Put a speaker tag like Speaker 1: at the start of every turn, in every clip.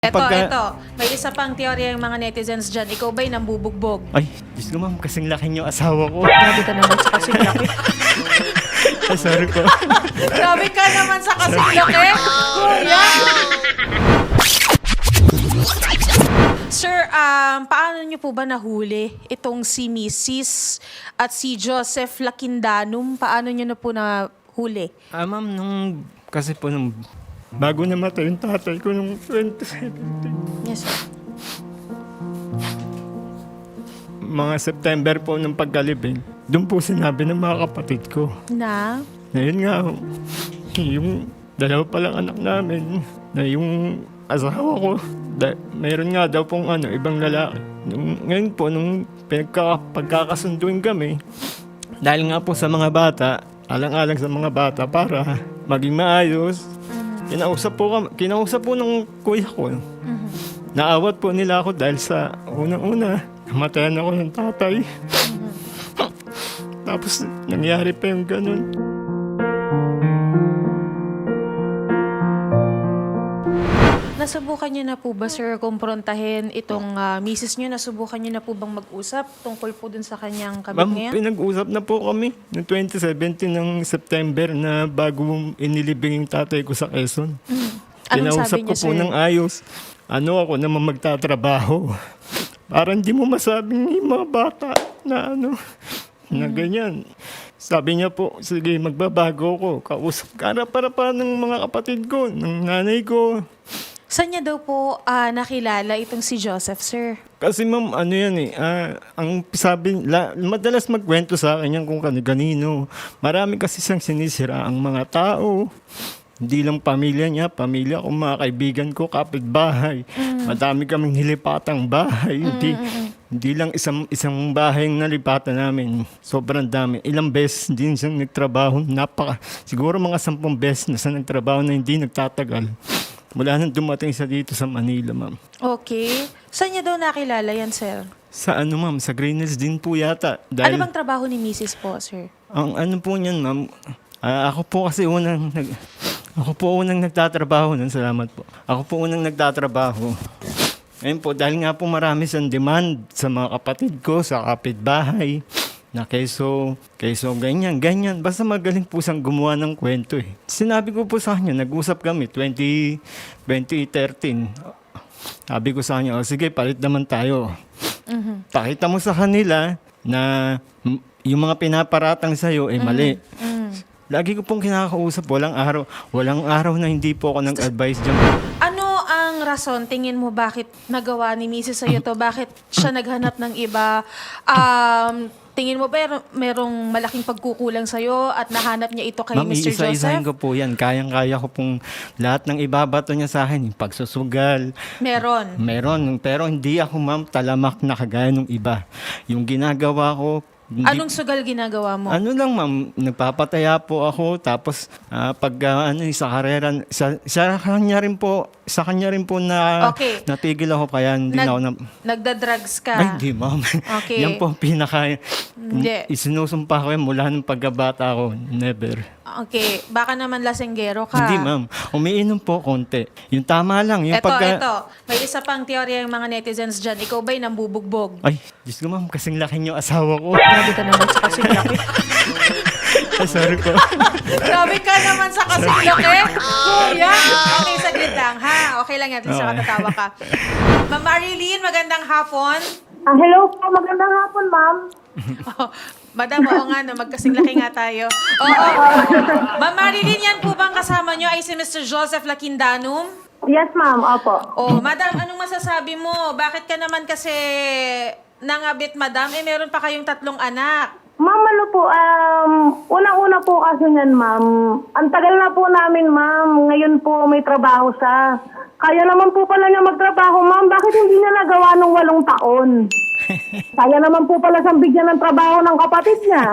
Speaker 1: Ito. May isa pang teorya yung mga netizens dyan. Ikaw ba'y nambubugbog?
Speaker 2: Ay, Diyos ko ma'am, kasing laki niyo asawa ko.
Speaker 1: Grabe ka naman sa kasing laki.
Speaker 2: Ay, sorry po.
Speaker 1: Grabe ka naman sa kasing laki. Kuya! Sir, paano niyo po ba nahuli itong si Mrs. at si Joseph Lakindanum? Paano niyo na po nahuli?
Speaker 2: Ma'am, kasi po nung bago namatay yung tatay ko nung 2017.
Speaker 1: Yes, sir.
Speaker 2: Mga September po nung pagkalibing, doon po sinabi ng mga kapatid ko.
Speaker 1: Na?
Speaker 2: Na yun nga, yung dalawa palang anak namin, na yung asawa ko, mayroon nga daw pong ibang lalaki. Ngayon po, nung pagkakasunduin kami, dahil nga po sa mga bata, alang-alang sa mga bata para maging maayos, kinausap po ng kuya ko. Naawat po nila ako dahil sa unang-una, namatayan ako ng tatay. Tapos nangyari pa yung ganun.
Speaker 1: Nasubukan niyo na po ba, sir, kumprontahin itong misis niyo? Nasubukan niyo na po bang mag-usap tungkol po dun sa kanyang kabit
Speaker 2: Ma'am,
Speaker 1: ngayon?
Speaker 2: pinag-usap na po kami noong 2017 ng September na bago inilibing yung tatay ko sa Quezon.
Speaker 1: Anong
Speaker 2: Kinausap
Speaker 1: sabi
Speaker 2: ko
Speaker 1: niya,
Speaker 2: po
Speaker 1: sir?
Speaker 2: ng ayos. Ako naman magtatrabaho. Parang hindi mo masabing yung mga bata na na ganyan. Sabi niya po, sige, magbabago ko. Kausap ka para ng mga kapatid ko, ng nanay ko.
Speaker 1: Saan niya daw po nakilala itong si Joseph, sir?
Speaker 2: Kasi ma'am, ang madalas magkwento sa akin yan kung kanino. Marami kasi siyang sinisira ang mga tao. Hindi lang pamilya niya, pamilya ko, mga kaibigan ko, kapitbahay. Madami kaming nilipatang bahay. Hindi lang isang bahay ang nalipatan namin. Sobrang dami. Ilang beses din siyang nagtrabaho. Siguro mga 10 beses na siya nagtrabaho na hindi nagtatagal. Mula nang dumating siya dito sa Manila, ma'am.
Speaker 1: Okay. Saan niya daw nakilala yan, sir?
Speaker 2: Sa ma'am? Sa Green Hills din po yata.
Speaker 1: Ano bang trabaho ni Mrs. po, sir?
Speaker 2: Ang po niyan, ma'am, ako po unang nagtatrabaho nun. Salamat po. Ako po unang nagtatrabaho. Ngayon po, dahil nga po marami siyang demand sa mga kapatid ko, sa kapitbahay, na keso, ganyan. Basta magaling po siyang gumawa ng kwento eh. Sinabi ko po sa kanya, nag-usap kami, 2013. Sabi ko sa kanya, sige, palit naman tayo. Pakita mo sa kanila na yung mga pinaparatang sa'yo ay mali. Lagi ko pong kinakausap, walang araw na hindi po ako nag-advise dyan.
Speaker 1: Ano ang rason, tingin mo, bakit nagawa ni Mrs. sa'yo to? Bakit siya naghanap ng iba? Tingin mo ba merong malaking pagkukulang sa'yo at nahanap niya ito kay
Speaker 2: Ma'am,
Speaker 1: Mr.
Speaker 2: iisa-isahin
Speaker 1: Joseph?
Speaker 2: ko po yan. Kayang-kaya ko pong lahat ng ibabato niya sa akin. Yung pagsusugal. Meron. Pero hindi ako, ma'am, talamak na kagaya ng iba. Yung ginagawa ko,
Speaker 1: Anong sugal ginagawa mo?
Speaker 2: lang, ma'am, nagpapataya po ako. Tapos, sa karera, sa kanya rin po na
Speaker 1: Okay.
Speaker 2: natigil ako. Kaya hindi na ako na...
Speaker 1: Nagda-drugs ka?
Speaker 2: Ay, hindi, ma'am.
Speaker 1: Okay.
Speaker 2: Yan po ang
Speaker 1: Hindi.
Speaker 2: Isinusumpa ko yan mula nung pagkabata ko. Never.
Speaker 1: Okay. Baka naman lasenggero ka.
Speaker 2: Hindi, ma'am. Umiinom po konti. Yung tama lang. Yung
Speaker 1: Ito. May isa pang teorya yung mga netizens dyan. Ikaw ba'y nambubugbog?
Speaker 2: Ay, Diyos ko, ma'am. Kasing laki niyo asawa ko.
Speaker 1: Grabe ka naman sa kasing laki.
Speaker 2: Ay, sorry po.
Speaker 1: Grabe ka naman sa kasing laki. Kuya. Okay, saglit lang, ha? Okay lang yan. At least
Speaker 2: Okay.
Speaker 1: nakatatawa ka. Ma'am Marilyn, magandang hapon.
Speaker 3: Hello po, magandang hapon, ma'am.
Speaker 1: Oh, Madam, oo nga, no, magkasing laki nga tayo. Oo. Ma'am Marilyn, yan po bang kasama nyo ay si Mr. Joseph Lakindanum?
Speaker 3: Yes, ma'am, opo.
Speaker 1: Oh, Madam, anong masasabi mo? Bakit ka naman kasi nangabit, Madam? Meron pa kayong 3 anak.
Speaker 3: Ma'am, po, unang-una po kasi yan, ma'am. Ang tagal na po namin, ma'am. Ngayon po may trabaho siya. Kaya naman po pala niya magtrabaho, ma'am. Bakit hindi niya nagawa nung 8 taon? Kaya naman po pala siyang bigyan ng trabaho ng kapatid niya.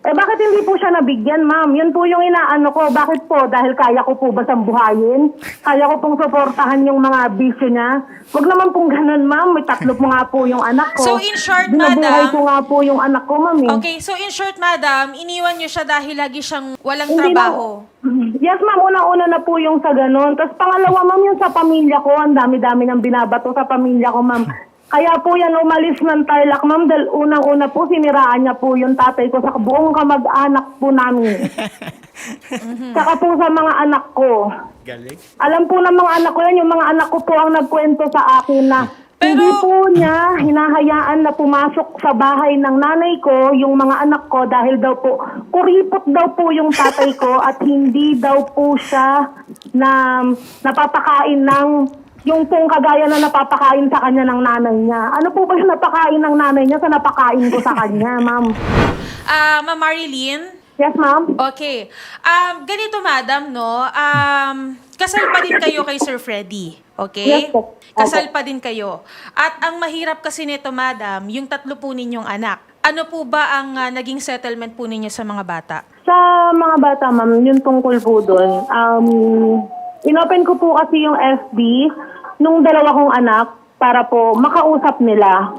Speaker 3: Bakit hindi po siya nabigyan, ma'am? Yun po yung inaano ko. Bakit po? Dahil kaya ko po ba sambuhayin? Kaya ko pong suportahan yung mga bisyo niya? Wag naman pong ganun, ma'am. May 3 po nga po yung anak ko.
Speaker 1: So, in short,
Speaker 3: Binabuhay
Speaker 1: madam-
Speaker 3: ko nga po yung anak ko, ma'am.
Speaker 1: Okay, so in short, madam, iniwan niyo siya dahil lagi siyang walang
Speaker 3: Hindi
Speaker 1: trabaho.
Speaker 3: Yes, ma'am. Una-una na po yung sa ganun. Tapos pangalawa, ma'am, yung sa pamilya ko. Ang dami-dami ng binabato sa pamilya ko, ma'am. Kaya po yan umalis ng Tarlac, ma'am. Dahil unang-una po, siniraan niya po yung tatay ko sa buong kamag-anak po namin. Saka po sa mga anak ko.
Speaker 2: Galing.
Speaker 3: Alam po ng mga anak ko yan, yung mga anak ko po ang nagkwento sa akin na hindi po niya hinahayaan na pumasok sa bahay ng nanay ko yung mga anak ko dahil daw po, kuripot daw po yung tatay ko at hindi daw po siya na napapakain ng yung pong kagaya na napapakain sa kanya ng nanay niya. Ano po ba yung napakain ng nanay niya sa napakain ko sa kanya, ma'am?
Speaker 1: Ma'am Marilyn?
Speaker 3: Yes, ma'am?
Speaker 1: Okay. Ganito, madam, no? Kasal pa din kayo kay Sir Freddy. Okay?
Speaker 3: Yes, po.
Speaker 1: Kasal pa din kayo. At ang mahirap kasi nito, madam, yung 3 po ninyong anak. Ano po ba ang naging settlement po ninyo sa mga bata?
Speaker 3: Sa mga bata, ma'am, yung tungkol po doon, inopen ko po kasi yung FB nung 2 kong anak para po makausap nila.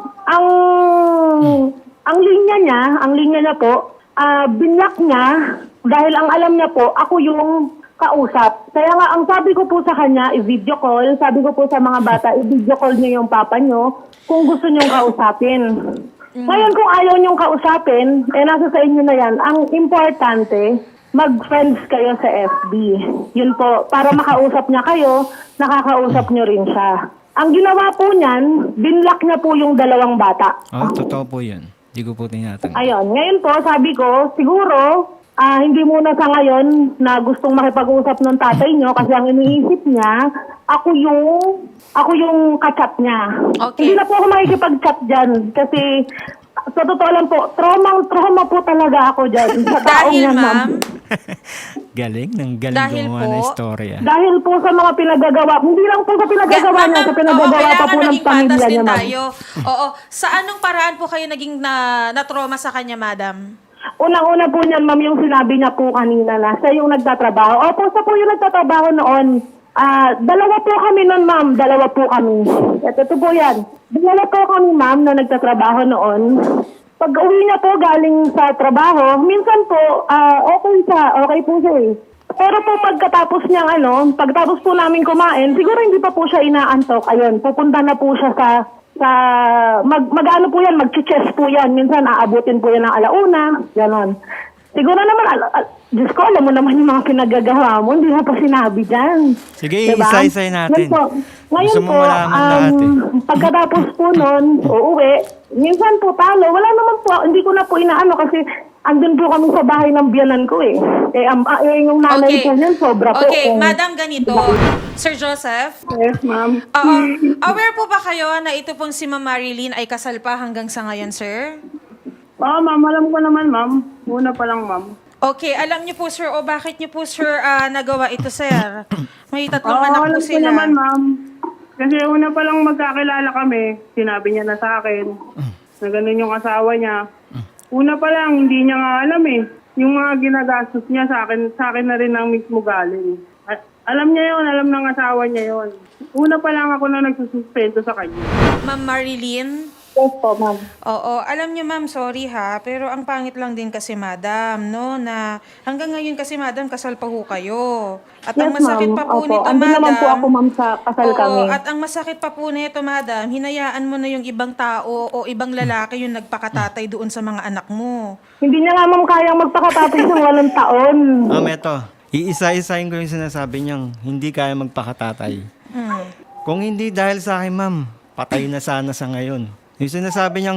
Speaker 3: Ang linya niya po, binlock niya dahil ang alam niya po, ako yung kausap. Kaya nga, ang sabi ko po sa kanya, i-video call. Sabi ko po sa mga bata, i-video call niyo yung papa niyo kung gusto niyong kausapin. Ngayon, kung ayaw niyong kausapin, nasa sa inyo na yan. Ang importante, mag-friends kayo sa FB. Yun po, para makausap niya kayo, nakakausap niyo rin siya. Ang ginawa po niyan, binlock niya po yung 2 bata.
Speaker 2: Totoo po yun. Hindi ko po tinatanggap.
Speaker 3: Ayun, ngayon po, sabi ko, siguro, hindi muna sa ngayon na gustong makipag-usap ng tatay niyo kasi ang iniisip niya, ako yung kachat niya.
Speaker 1: Okay.
Speaker 3: Hindi na po ako makikipag-chat dyan kasi sa totoo lang po, trauma po talaga ako dyan. Sa taong
Speaker 1: Dahil,
Speaker 3: yan,
Speaker 1: ma'am,
Speaker 2: Galing
Speaker 1: Dahil
Speaker 2: gumawa
Speaker 1: po-
Speaker 2: ng istorya.
Speaker 3: Dahil po sa mga pinagagawa, hindi lang po sa pinagagawa niya, sa pinagagawa pa po ng pamilya niya, ma'am.
Speaker 1: tayo. Oo. Sa anong paraan po kayo naging na-trauma sa kanya, madam?
Speaker 3: Unang-una po niyan, ma'am, yung sinabi niya po kanina na siya yung nagtatrabaho. Opo, siya po yung nagtatrabaho noon. 2 po kami noon, ma'am. 2 po kami. Ito po yan. 2 po kami, ma'am, na nagtatrabaho noon. Pag uwi niya po galing sa trabaho, minsan po, okay po siya eh. Pero po pagkatapos niyang pagkatapos po namin kumain, siguro hindi pa po siya inaantok. Ayun, pupunta na po siya sa mag-ano po yan, mag-chess po yan. Minsan aabutin po yan ng 1:00, ganon. Siguro naman, Diyos ko, alam mo naman yung mga pinagagawa mo, hindi mo pa sinabi dyan.
Speaker 2: Sige, isa-isay natin.
Speaker 3: Ngayon
Speaker 2: Gusto mo
Speaker 3: po,
Speaker 2: malaman lahat eh.
Speaker 3: pagkatapos po nun, uuwi, minsan po talo, wala naman po, hindi ko na po inaano kasi andun po kami sa bahay ng biyanan ko eh. Yung nanay po niyan, sobra po.
Speaker 1: Okay, madam, ganito. Sir Joseph?
Speaker 3: Yes, ma'am.
Speaker 1: Oo. Aware po ba kayo na ito pong si Ma'am Marilyn ay kasal pa hanggang sa ngayon, sir?
Speaker 3: Oo, ma'am, alam ko naman, ma'am. Una pa lang, ma'am.
Speaker 1: Okay, alam niyo po, sir, o bakit niyo po, sir, nagawa ito, sir? May 3 anak po
Speaker 3: alam ko
Speaker 1: sila.
Speaker 3: naman, ma'am. Kasi una pa lang magkakilala kami, sinabi niya na sa akin na ganun yung asawa niya. Una pa lang, hindi niya nga alam eh. Yung mga ginagastos niya sa akin na rin ang mismo galing. Alam niya yon, alam ng asawa niya yon. Una pa lang ako na nagsususpendo sa kanya.
Speaker 1: Ma'am Marilyn?
Speaker 3: Yes po, ma'am.
Speaker 1: Oo, alam niyo, ma'am, sorry ha, pero ang pangit lang din kasi, madam, no, na hanggang ngayon kasi, madam, kasal pa ho kayo. At ang masakit pa po nito,
Speaker 3: Andun
Speaker 1: madam.
Speaker 3: naman po ako, ma'am, sa kasal
Speaker 1: Oo,
Speaker 3: kami.
Speaker 1: at ang masakit pa po nito, madam, hinayaan mo na yung ibang tao o ibang lalaki yung nagpakatatay doon sa mga anak mo.
Speaker 3: Hindi niya nga, ma'am, kayang magpakatapos ng 8 taon.
Speaker 2: Eto. Iisa-isahin ko yung sinasabi niyang hindi kaya magpakatatay. Kung hindi dahil sa akin, ma'am, patay na sana sa ngayon. Yung sinasabi niyang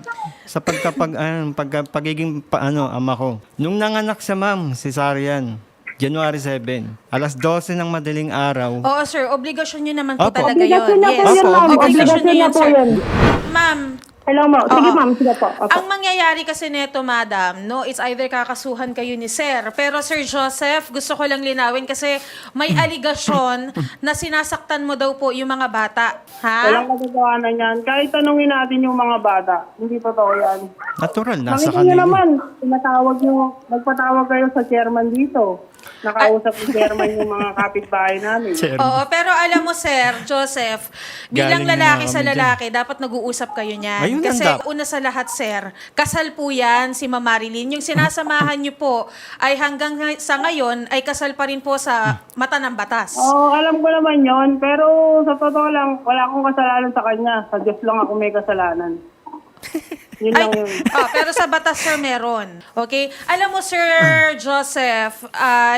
Speaker 2: pagiging ama ko. Nung nanganak siya, ma'am, cesarean, January 7, alas 12 ng madaling araw.
Speaker 1: Oo, sir, obligasyon nyo naman po
Speaker 2: Opo.
Speaker 1: talaga yun.
Speaker 3: Obligasyon niya po
Speaker 1: Yes,
Speaker 3: yun, ma'am.
Speaker 1: obligasyon
Speaker 3: Obligasyon
Speaker 1: nyo
Speaker 3: niya
Speaker 1: yun,
Speaker 3: po
Speaker 1: sir.
Speaker 3: yun.
Speaker 1: Ma'am,
Speaker 3: Hello, mo. Sige,
Speaker 1: Oo.
Speaker 3: ma'am. Sige po. Opo.
Speaker 1: Ang mangyayari kasi neto, madam, no, it's either kakasuhan kayo ni Sir. Pero Sir Joseph, gusto ko lang linawin kasi may aligasyon na sinasaktan mo daw po yung mga bata. Ha?
Speaker 4: Walang katotohanan yan. Kahit tanungin natin yung mga bata, hindi totoo yan.
Speaker 2: Natural, nasa
Speaker 4: Makita niyo
Speaker 2: kanila.
Speaker 4: naman, nagpatawag kayo sa chairman dito. Nakausap ni chairman yung mga kapitbahay namin.
Speaker 2: Sir.
Speaker 1: Oo, pero alam mo, Sir Joseph, bilang
Speaker 2: Galing na
Speaker 1: lalaki
Speaker 2: nga
Speaker 1: sa
Speaker 2: kami
Speaker 1: lalaki, dapat nag-uusap kayo niyan.
Speaker 2: Ayun ang
Speaker 1: Kasi
Speaker 2: dapat.
Speaker 1: una sa lahat, Sir, kasal po yan si Ma'am Marilyn. Yung sinasamahan niyo po ay hanggang sa ngayon ay kasal pa rin po sa mata ng batas.
Speaker 4: Oo, alam ko naman yon, pero sa totoo lang, wala akong kasalanan sa kanya. Sa Diyos lang ako may kasalanan. Yun lang yun.
Speaker 1: Pero sa batas, sir, meron. Okay? Alam mo, Sir Joseph,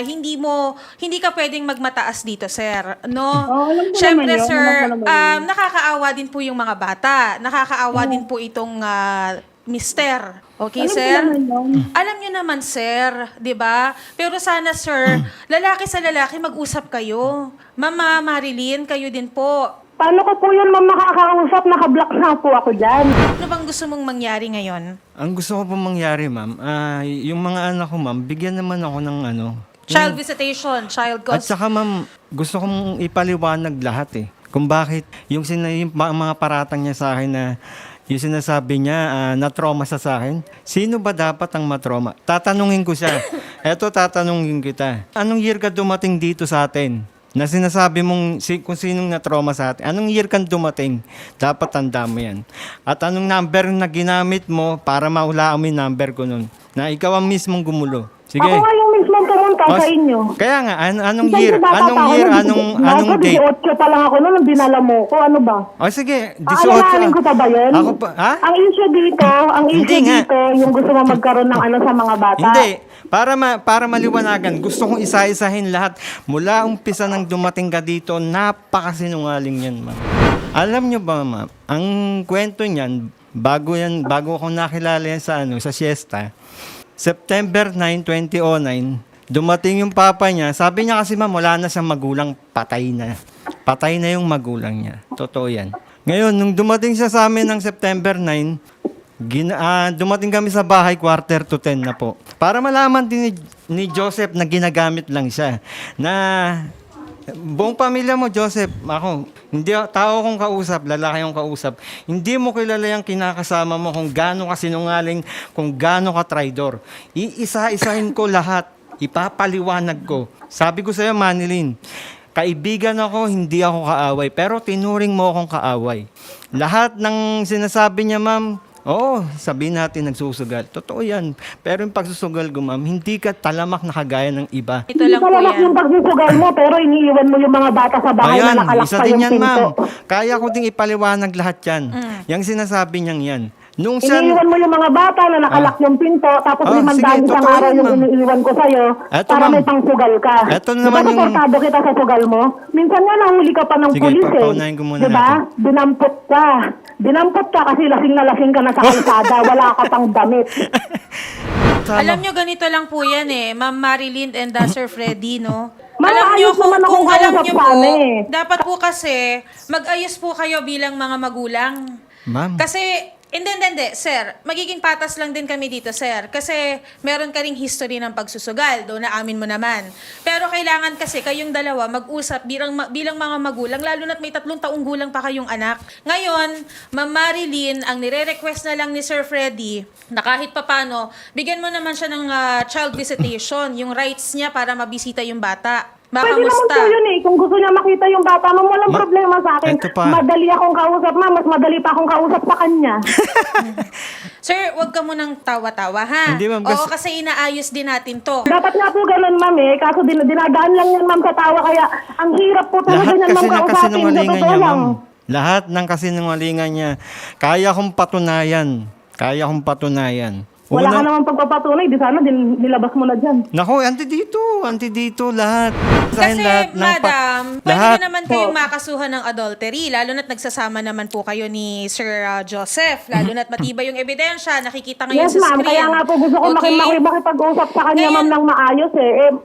Speaker 1: hindi ka pwedeng magmataas dito, sir. No?
Speaker 4: alam ko
Speaker 1: Siyempre,
Speaker 4: naman yun.
Speaker 1: sir,
Speaker 4: Alam ko naman yun.
Speaker 1: nakakaawa din po yung mga bata. Nakakaawa din po itong mister. Okay,
Speaker 4: Alam ko
Speaker 1: sir?
Speaker 4: naman yun.
Speaker 1: Alam niyo naman, sir, 'di ba? Pero sana, sir, lalaki sa lalaki mag-usap kayo. Mama Marilyn, kayo din po.
Speaker 3: Paano ko po yun, ma'am, makakausap? Naka-block na po ako dyan.
Speaker 1: Ano bang gusto mong mangyari ngayon?
Speaker 2: Ang gusto ko pong mangyari, ma'am, yung mga anak ko, ma'am, bigyan naman ako ng ano.
Speaker 1: Child visitation, child
Speaker 2: At
Speaker 1: custody.
Speaker 2: saka, ma'am, gusto kong ipaliwanag lahat kung bakit yung mga paratang niya sa akin na yung sinasabi niya na trauma sa akin. Sino ba dapat ang matrauma? Tatanungin ko siya. Eto, tatanungin kita. Anong year ka dumating dito sa atin? Na sinasabi mong kung sinong na-trauma sa atin. Anong year kang dumating? Dapat tanda mo yan. At anong number na ginamit mo para maulaan mo yung number ko nun? Na ikaw ang mismong gumulo. Sige.
Speaker 3: Ako nga yung mismo pumunta
Speaker 2: O,
Speaker 3: sa inyo.
Speaker 2: Kaya nga, anong
Speaker 3: Kasi
Speaker 2: year?
Speaker 3: bata
Speaker 2: Anong
Speaker 3: pa ako
Speaker 2: year?
Speaker 3: nun,
Speaker 2: Anong date?
Speaker 3: 18 pa lang ako noon nung dinala mo ko. Ano ba?
Speaker 2: O sige, 18.
Speaker 3: Aalalahanin ko pa ba yun?
Speaker 2: Ako pa, ha?
Speaker 3: Ang issue dito,
Speaker 2: Hindi nga.
Speaker 3: yung gusto mo magkaroon ng ano sa mga bata.
Speaker 2: Hindi. Para maliwanagan, gusto kong isa-isahin lahat. Mula umpisa nang dumating ka dito, napakasinungaling yan, ma'am. Alam nyo ba, ma'am, ang kwento niyan, bago ako nakilala yan sa siesta, September 9, 2009, dumating yung papa niya. Sabi niya kasi, ma'am, wala na siyang magulang, patay na. Patay na yung magulang niya. Totoo yan. Ngayon, nung dumating siya sa amin ng September 9, dumating kami sa bahay 9:45 na po. Para malaman din ni Joseph na ginagamit lang siya. Na buong pamilya mo, Joseph, ako, hindi tao kong kausap, lalaki kong kausap. Hindi mo kilala yung kinakasama mo kung gaano ka sinungaling, kung gaano ka traidor. Iisa-isahin ko lahat. Ipapaliwanag ko. Sabi ko sa'yo, Manilyn, kaibigan ako, hindi ako kaaway. Pero tinuring mo akong kaaway. Lahat ng sinasabi niya, ma'am, oo, sabihin natin nagsusugal. Totoo yan. Pero yung pagsusugal ko, ma'am, hindi ka talamak na kagaya ng iba.
Speaker 1: Ito
Speaker 3: Hindi
Speaker 1: lang po
Speaker 3: talaga
Speaker 1: yan.
Speaker 3: yung pagsusugal mo, pero iniiwan mo yung mga bata sa bahay
Speaker 2: Ayan,
Speaker 3: na nakalak
Speaker 2: isa
Speaker 3: pa
Speaker 2: din
Speaker 3: yung
Speaker 2: yan, ma'am.
Speaker 3: pinto.
Speaker 2: Kaya ko ding ipaliwanag lahat yan. Yung sinasabi niyang yan. Nung siya,
Speaker 3: Iniiwan mo yung mga bata na nakalak yung pinto, tapos
Speaker 2: Oh,
Speaker 3: 5
Speaker 2: sige,
Speaker 3: isang
Speaker 2: totoo
Speaker 3: araw
Speaker 2: yan,
Speaker 3: yung
Speaker 2: ma'am.
Speaker 3: iniiwan ko sa'yo
Speaker 2: Eto,
Speaker 3: para
Speaker 2: ma'am.
Speaker 3: may pangsugal ka.
Speaker 2: Eto naman
Speaker 3: diba,
Speaker 2: yung-
Speaker 3: suportado kita sa sugal mo? Minsan nga nahuli ka pa ng
Speaker 2: Sige,
Speaker 3: pulis
Speaker 2: paunahin ko muna
Speaker 3: Diba?
Speaker 2: natin.
Speaker 3: Dinampot ka. Dinampot ka kasi lasing na lasing ka na sa kalsada. Wala ka pang damit.
Speaker 1: Alam nyo, ganito lang po yan Ma'am Marilyn and Sir Freddy, no?
Speaker 3: Ma'am,
Speaker 1: alam nyo,
Speaker 3: ayos naman akong
Speaker 1: kung alam
Speaker 3: kausap
Speaker 1: nyo
Speaker 3: sa
Speaker 1: po,
Speaker 3: amin.
Speaker 1: dapat po kasi, mag-ayos po kayo bilang mga magulang.
Speaker 2: ma'am,
Speaker 1: Kasi, hindi, sir. Magiging patas lang din kami dito, sir. Kasi meron ka ring history ng pagsusugal. Doon na amin mo naman. Pero kailangan kasi kayong dalawa mag-usap bilang mga magulang, lalo na't may 3 taong gulang pa kayong anak. Ngayon, Ma'am Marilyn, ang nire-request na lang ni Sir Freddy, na kahit papano, bigyan mo naman siya ng child visitation, yung rights niya para mabisita yung bata.
Speaker 3: Pwede naman
Speaker 1: Makamusta?
Speaker 3: po yun Kung gusto niya makita yung bata mo, walang problema sa akin.
Speaker 2: Eto pa.
Speaker 3: Madali akong kausap, ma'am. Mas madali pa akong kausap sa kanya.
Speaker 1: Sir, wag ka munang tawa-tawa, ha?
Speaker 2: Hindi, ma'am,
Speaker 1: Oo,
Speaker 2: kasi-
Speaker 1: kasi inaayos din natin to.
Speaker 3: Dapat nga po ganun, ma'am Kaso dinadaan lang yan, ma'am, sa tawa. Kaya ang hirap po talaga
Speaker 2: lahat
Speaker 3: niyan,
Speaker 2: kasi
Speaker 3: ma'am,
Speaker 2: ng
Speaker 3: kausapin. Sa
Speaker 2: kasinungalingan
Speaker 3: totoo
Speaker 2: niya,
Speaker 3: lang.
Speaker 2: ma'am. Lahat ng kasinungalingan niya. Kaya kong patunayan.
Speaker 3: Wala ka naman pagpapatunay. Di sana nilabas mo na dyan.
Speaker 2: Nako, anti dito lahat.
Speaker 1: Kasi, madam, pwede
Speaker 2: lahat.
Speaker 1: na naman kayong makasuhan ng adultery, lalo na't nagsasama naman po kayo ni Sir Joseph, lalo na't matibay yung ebidensya, nakikita ngayon
Speaker 3: Yes,
Speaker 1: sa
Speaker 3: ma'am.
Speaker 1: screen.
Speaker 3: Kaya nga po gusto ko makipag-usap sa kanya,
Speaker 1: Ngayon-
Speaker 3: ma'am, ng maayos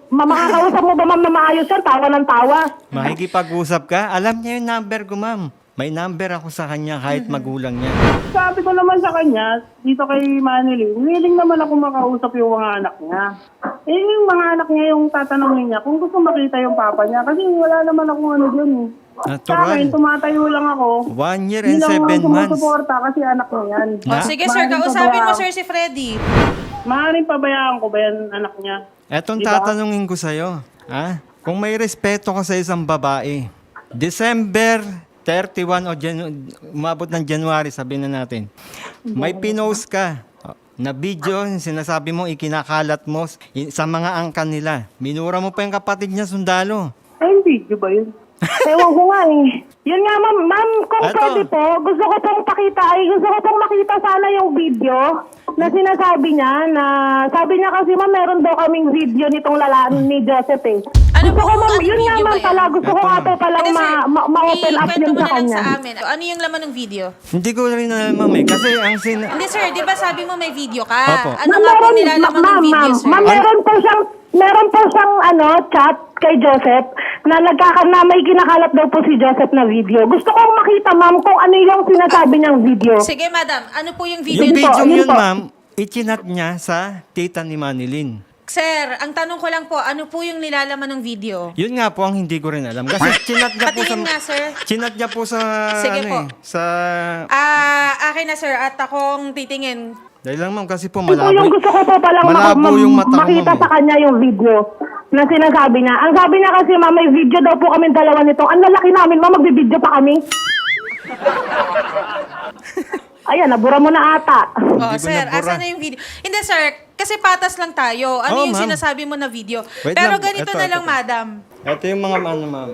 Speaker 3: makakausap mo ba, ma'am, na maayos yan? Tawa ng tawa.
Speaker 2: Makikipag-usap ka? Alam niya yung number ko, ma'am. May number ako sa kanya kahit magulang niya.
Speaker 4: Sabi ko naman sa kanya, dito kay Manilyn, willing naman ako makausap yung mga anak niya. Eh, yung mga anak niya yung tatanungin niya kung gusto makita yung papa niya. Kasi wala naman akong ano dyan eh. Sa akin,
Speaker 2: Natural.
Speaker 4: tumatayo lang ako.
Speaker 2: 1 year
Speaker 4: Hindi
Speaker 2: and
Speaker 4: lang
Speaker 2: 7
Speaker 4: ako
Speaker 2: months.
Speaker 4: sumusuporta kasi anak niya yan.
Speaker 1: O, sige sir,
Speaker 4: Maaaring
Speaker 1: kausapin mo
Speaker 4: pabayaan-
Speaker 1: sir si Freddy.
Speaker 4: Maaaring pabayaan ko ba yan anak niya?
Speaker 2: Etong
Speaker 4: Diba?
Speaker 2: tatanungin ko sa'yo. Ha? Kung may respeto ka sa isang babae, December 31 o umabot ng January, sabihin na natin, may pinost ka na video, yung sinasabi mo, ikinakalat mo sa mga angkan nila. Minura mo pa yung kapatid niya sundalo.
Speaker 4: Ay, video ba yun?
Speaker 3: Ewan ko nga eh. Yun nga ma'am, kung
Speaker 2: Eto.
Speaker 3: pwede po, gusto ko pong makita sana yung video na sinasabi niya na, sabi niya kasi ma'am, meron daw kaming video nitong lalaan ni Joseph eh.
Speaker 1: Ano
Speaker 3: Gusto
Speaker 1: po
Speaker 3: ko
Speaker 1: kung
Speaker 3: ma'am,
Speaker 1: anong
Speaker 3: yun nga
Speaker 1: video
Speaker 3: ma'am
Speaker 1: ba yan?
Speaker 3: pala, gusto ko
Speaker 2: Eto,
Speaker 3: nga
Speaker 2: ma'am.
Speaker 3: po palang
Speaker 1: Hindi, sir,
Speaker 3: ma-open up
Speaker 1: ikwento
Speaker 3: yun
Speaker 1: mo
Speaker 3: sa
Speaker 1: na lang
Speaker 3: kanya.
Speaker 1: sa amin. Ano yung laman ng video?
Speaker 2: Hindi ko rin alam eh. Kasi ang
Speaker 1: Hindi sir, di ba sabi mo may video ka?
Speaker 2: Opo.
Speaker 1: Ano nga po nilalaman ng video, sir?
Speaker 3: Ma'am, meron po siyang chat kay Joseph na may kinakalat daw po si Joseph na video. Gusto kong makita ma'am kung ano yung sinasabi niyang video.
Speaker 1: Sige, madam. Ano po yung video?
Speaker 2: yung
Speaker 3: Yun po,
Speaker 2: video
Speaker 3: yun
Speaker 2: yun,
Speaker 3: po.
Speaker 2: ma'am, ichinat niya sa tita ni Manilyn.
Speaker 1: Sir, ang tanong ko lang po, ano po yung nilalaman ng video?
Speaker 2: Yun nga po ang hindi ko rin alam. Kasi chinat niya po sa...
Speaker 1: Patingin nga, sir.
Speaker 2: Chinat niya po sa...
Speaker 1: Sige po.
Speaker 2: Sa...
Speaker 1: Akin na, sir. At akong titingin.
Speaker 2: Dahil lang ma'am, kasi po
Speaker 3: Ito
Speaker 2: malabo,
Speaker 3: yung gusto ko po palang
Speaker 2: malabo yung mata ko,
Speaker 3: makita
Speaker 2: ma'am,
Speaker 3: sa kanya yung video na sinasabi niya. Ang sabi niya kasi ma'am, may video daw po kami dalawa nito. Ang lalaki namin ma'am, magbibideo pa kami. Ayan, nabura mo na ata.
Speaker 1: Oh,
Speaker 2: ko
Speaker 1: sir,
Speaker 2: nabura.
Speaker 1: asan na yung video? Hindi, sir. Kasi patas lang tayo. Ano
Speaker 2: Oo,
Speaker 1: yung
Speaker 2: ma'am.
Speaker 1: sinasabi mo na video?
Speaker 2: Wait
Speaker 1: Pero
Speaker 2: lang,
Speaker 1: ganito
Speaker 2: eto,
Speaker 1: na
Speaker 2: eto,
Speaker 1: lang,
Speaker 2: eto.
Speaker 1: madam.
Speaker 2: Ito yung mga ano, ma'am.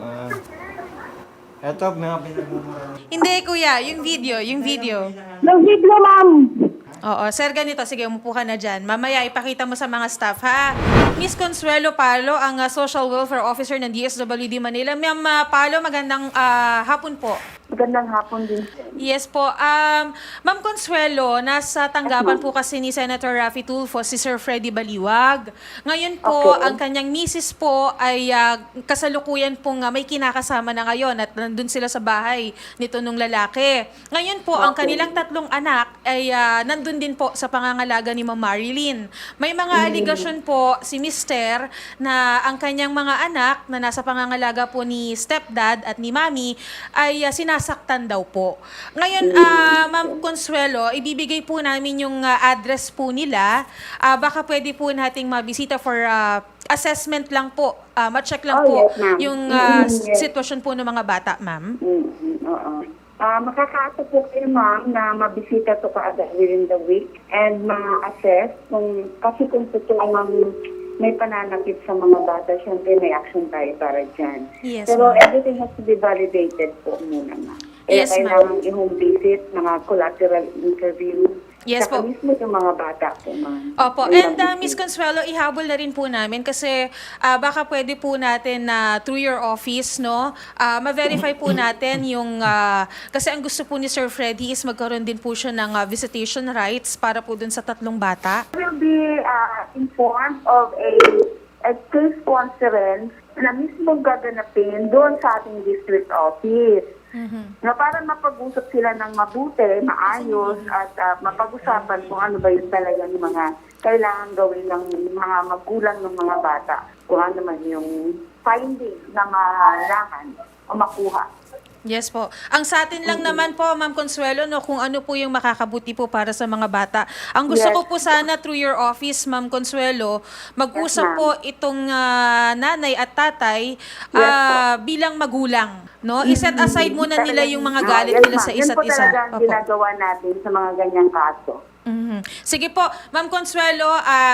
Speaker 2: Ito, mga pinagmumura.
Speaker 1: Hindi, kuya. Yung video. Yung video.
Speaker 3: Yung video ma'am.
Speaker 1: Oo, sir, ganito. Sige, umupo ka na dyan. Mamaya, ipakita mo sa mga staff, ha? Miss Consuelo Palo, ang Social Welfare Officer ng DSWD Manila. Ma'am Palo, magandang hapon po.
Speaker 5: Magandang hapon din.
Speaker 1: Yes po. Ma'am Consuelo, nasa tanggapan po kasi ni Senator Raffy Tulfo si Sir Freddy Baliwag. Ngayon po,
Speaker 5: Okay.
Speaker 1: ang kanyang misis po ay kasalukuyan pong may kinakasama na ngayon at nandun sila sa bahay nito nung lalaki. Ngayon po, ang kanilang tatlong anak ay nandun din po sa pangangalaga ni Ma'am Marilyn. May mga aligasyon po si Mister na ang kanyang mga anak na nasa pangangalaga po ni stepdad at ni mami ay sinasaktan daw po. Ngayon, Ma'am Consuelo, ibibigay po namin yung address po nila. Baka pwede po nating mabisita for assessment lang po. Ma-check lang
Speaker 5: Oh,
Speaker 1: po
Speaker 5: yes, ma'am.
Speaker 1: yung
Speaker 5: Yes.
Speaker 1: sitwasyon po ng mga bata, ma'am.
Speaker 5: Oo. Makakaasa po kayo, ma'am, na mabisita to kaagad within the week and ma-assess kasi kung totoo ma'am may pananakit sa mga bata, syempre may action tayo para dyan.
Speaker 1: Yes,
Speaker 5: Pero
Speaker 1: ma'am.
Speaker 5: everything has to be validated po muna, ma'am.
Speaker 1: Yes, ma'am.
Speaker 5: kailangan i-home visit, mga collateral interview.
Speaker 1: Yes
Speaker 5: Saka
Speaker 1: po.
Speaker 5: mismo yung mga bata po, ma'am.
Speaker 1: Opo.
Speaker 5: May
Speaker 1: And
Speaker 5: mabisita.
Speaker 1: Miss Consuelo, ihabol na rin po namin kasi baka pwede po natin na through your office, no, ma-verify po natin yung, kasi ang gusto po ni Sir Freddy is magkaroon din po siya ng visitation rights para po dun sa tatlong bata.
Speaker 5: Will be informed of a case conference na mismo gaganapin doon sa ating district office. Na para mapag-usap sila ng mabuti, maayos, at mapag-usapan kung ano ba yung talagang mga kailangan gawin ng mga magulang ng mga bata. Kung ano man yung finding na mahalangan o makuha.
Speaker 1: Yes po. Ang sa atin lang naman po, Ma'am Consuelo, no, kung ano po yung makakabuti po para sa mga bata. Ang gusto
Speaker 5: Yes.
Speaker 1: ko po sana through your office, Ma'am Consuelo, mag-usap
Speaker 5: Yes, ma'am.
Speaker 1: po itong nanay at tatay bilang magulang. No? I-set aside muna nila yung mga galit
Speaker 5: Yes,
Speaker 1: nila sa
Speaker 5: ma'am.
Speaker 1: isa't
Speaker 5: Yan po
Speaker 1: isa.
Speaker 5: talaga ang
Speaker 1: Opo.
Speaker 5: ginagawa natin sa mga ganyang kaso.
Speaker 1: Mhm. Sige po, Ma'am Consuelo,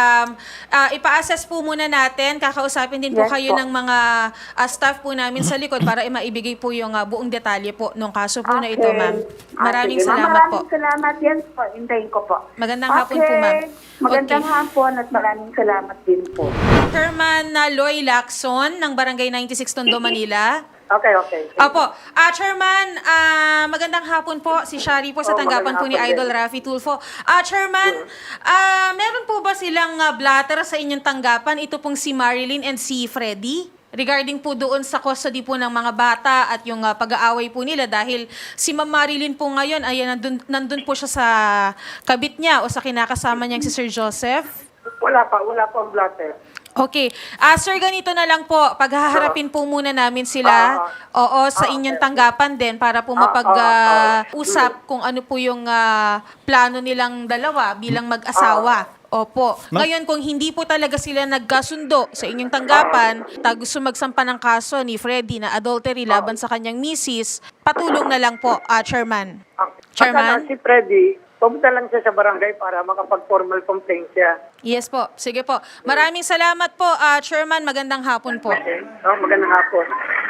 Speaker 1: ipa-assess po muna natin. Kakausapin din po
Speaker 5: Yes
Speaker 1: kayo
Speaker 5: po.
Speaker 1: ng mga staff po namin sa likod para maibigay po yung buong detalye po ng kaso po na ito, ma'am. Maraming
Speaker 5: Sige, ma'am.
Speaker 1: salamat po.
Speaker 5: Maraming salamat. Yes po. Hintayin ko po.
Speaker 1: Magandang hapon po, ma'am.
Speaker 5: Magandang
Speaker 1: Okay.
Speaker 5: hapon at maraming salamat din po.
Speaker 1: Chairman Loy Lacson ng Barangay 96 Tondo, Manila.
Speaker 5: Okay.
Speaker 1: Opo. Chairman, magandang hapon po. Si Shari po sa
Speaker 5: Oh,
Speaker 1: tanggapan po ni
Speaker 5: magandang hapon
Speaker 1: Idol
Speaker 5: din.
Speaker 1: Raffy Tulfo. Chairman, meron po ba silang blatter sa inyong tanggapan? Ito pong si Marilyn and si Freddy? regarding po doon sa custody po ng mga bata at yung pag-aaway po nila dahil si Ma'am Marilyn po ngayon ay nandun po siya sa kabit niya o sa kinakasama niyang si Sir Joseph?
Speaker 4: Wala pa ang blatter.
Speaker 1: Okay. Sir, ganito na lang po. Paghaharapin po muna namin sila sa inyong tanggapan din para po mapag-usap kung ano po yung plano nilang dalawa bilang mag-asawa. Opo. Ngayon, kung hindi po talaga sila nagkasundo sa inyong tanggapan, gusto magsampa ng kaso ni Freddy na adultery laban sa kanyang misis, patulong na lang po, Chairman. Chairman?
Speaker 6: Si Freddy, pumunta lang siya sa barangay para makapag-formal complaint siya.
Speaker 1: Yes po. Sige po. Maraming salamat po, Chairman. Magandang hapon po.
Speaker 6: Okay? Magandang hapon.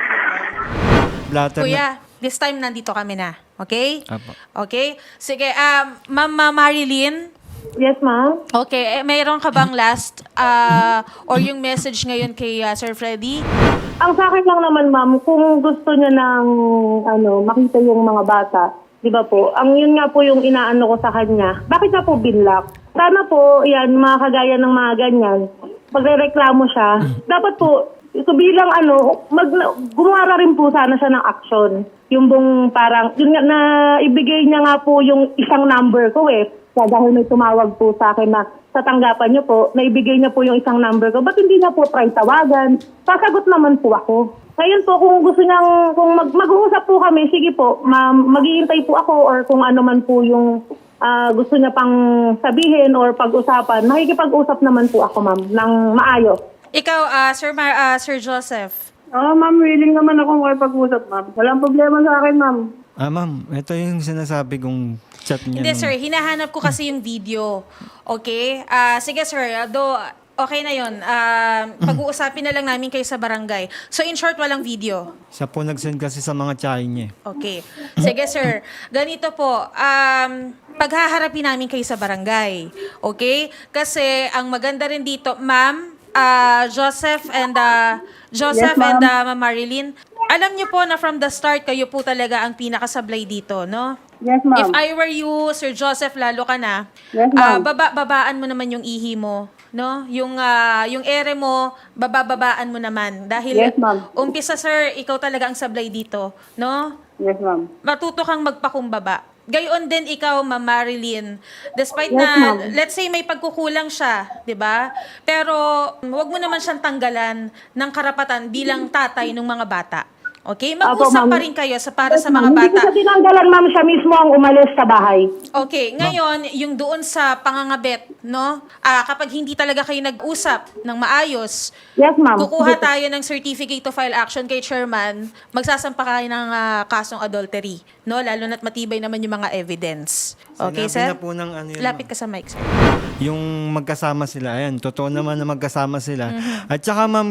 Speaker 2: Blatter na.
Speaker 1: Kuya, this time nandito kami na. Okay?
Speaker 2: Apo.
Speaker 1: Okay? Sige, Ma'am Marilyn.
Speaker 3: Yes, ma'am.
Speaker 1: Okay, mayroon ka bang last or yung message ngayon kay Sir Freddy?
Speaker 3: Ang sa akin lang naman, ma'am, kung gusto niya ng makita yung mga bata, di ba po, ang yun nga po yung inaano ko sa kanya, bakit na po binlock? Sana po, yan, mga kagaya ng mga ganyan, pagre-reklamo siya, dapat po, ito bilang gumara rin po sana siya ng action. Yung bang parang, yun nga, na ibigay niya nga po yung isang number ko Kaya dahil may tumawag po sa akin na sa tanggapan niyo po, naibigay niya po yung isang number ko, ba't hindi niya po try tawagan? Sasagot naman po ako. Ngayon po, kung gusto niyang, kung mag-uusap po kami, sige po, maghihintay po ako or kung ano man po yung gusto niya pang sabihin or pag-usapan, makikipag-usap naman po ako, ma'am, ng maayos.
Speaker 1: Ikaw, Sir Joseph.
Speaker 4: Ma'am, willing naman ako makipag-usap, ma'am. Walang problema sa akin, ma'am.
Speaker 2: Ma'am, ito yung sinasabi kong chat niya.
Speaker 1: Hindi, sir. Hinahanap ko kasi yung video. Okay? Sige, sir. Okay na yun. Pag-uusapin na lang namin kayo sa barangay. So, in short, walang video.
Speaker 2: Siya po nag-send kasi sa mga tsahin niya.
Speaker 1: Okay. Sige, sir. Ganito po. Paghaharapin namin kayo sa barangay. Okay? Kasi, ang maganda rin dito, ma'am, Joseph and Ma'am Marilyn, alam niyo po na from the start, kayo po talaga ang pinakasablay dito, no?
Speaker 4: Yes, ma'am.
Speaker 1: If I were you, Sir Joseph, lalo ka na,
Speaker 4: Yes, ma'am.
Speaker 1: babaan mo naman yung ihi mo, no? Yung ere mo, bababaan mo naman. Dahil
Speaker 4: Yes, ma'am.
Speaker 1: umpisa, sir, ikaw talaga ang sablay dito, no?
Speaker 4: Yes, ma'am.
Speaker 1: Matuto kang magpakumbaba. Gayon din ikaw, Ma'am Marilyn. Despite
Speaker 4: Yes,
Speaker 1: na,
Speaker 4: ma'am.
Speaker 1: let's say may pagkukulang siya, di ba? Pero wag mo naman siyang tanggalan ng karapatan bilang tatay ng mga bata. Okay? Mag-usap
Speaker 3: Apo, ma'am.
Speaker 1: pa rin kayo para sa mga
Speaker 3: Hindi ko
Speaker 1: bata.
Speaker 3: siya tinanggalan, ma'am, siya mismo ang umalis sa bahay.
Speaker 1: Okay, ngayon, yung doon sa pangangabet, no? Kapag hindi talaga kayo nag-usap ng maayos,
Speaker 3: Yes, ma'am.
Speaker 1: kukuha tayo ng certificate to file action kay chairman, magsasampa kayo ng kasong adultery, no? Lalo na't matibay naman yung mga evidence. Okay,
Speaker 2: Sinabi
Speaker 1: sir?
Speaker 2: na po ng ano yun,
Speaker 1: Lapit ka sa mic, sir.
Speaker 2: yung magkasama sila. Ayan, totoo naman na magkasama sila. At saka ma'am,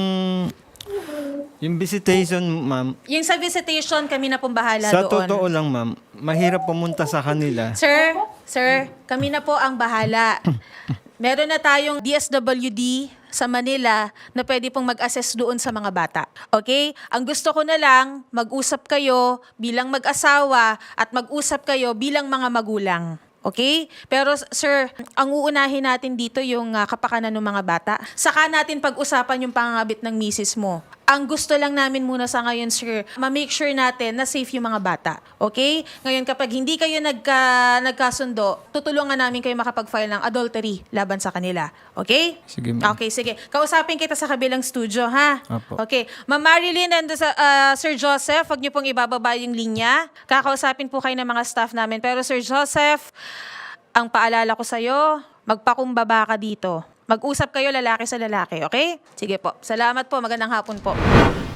Speaker 2: yung visitation, ma'am,
Speaker 1: Yung sa visitation, kami na pong bahala
Speaker 2: sa
Speaker 1: doon.
Speaker 2: totoo lang, ma'am, mahirap pumunta sa kanila.
Speaker 1: Sir, kami na po ang bahala. Meron na tayong DSWD sa Manila na pwede pong mag-assess doon sa mga bata. Okay? Ang gusto ko na lang, mag-usap kayo bilang mag-asawa at mag-usap kayo bilang mga magulang. Okay? Pero sir, ang uunahin natin dito yung kapakanan ng mga bata. Saka natin pag-usapan yung pangangabit ng misis mo. Ang gusto lang namin muna sa ngayon, sir, ma-make sure natin na safe yung mga bata. Okay? Ngayon, kapag hindi kayo nagkasundo, tutulungan namin kayo makapag-file ng adultery laban sa kanila. Okay?
Speaker 2: Sige, ma'am.
Speaker 1: Okay, sige. Kausapin kita sa kabilang studio, ha?
Speaker 2: Apo.
Speaker 1: Okay. Ma'am Marilyn and Sir Joseph, wag niyo pong ibababa yung linya. Kakausapin po kayo ng mga staff namin. Pero Sir Joseph, ang paalala ko sa'yo, magpakumbaba ka dito. Mag-usap kayo lalaki sa lalaki, okay? Sige po. Salamat po. Magandang hapon po.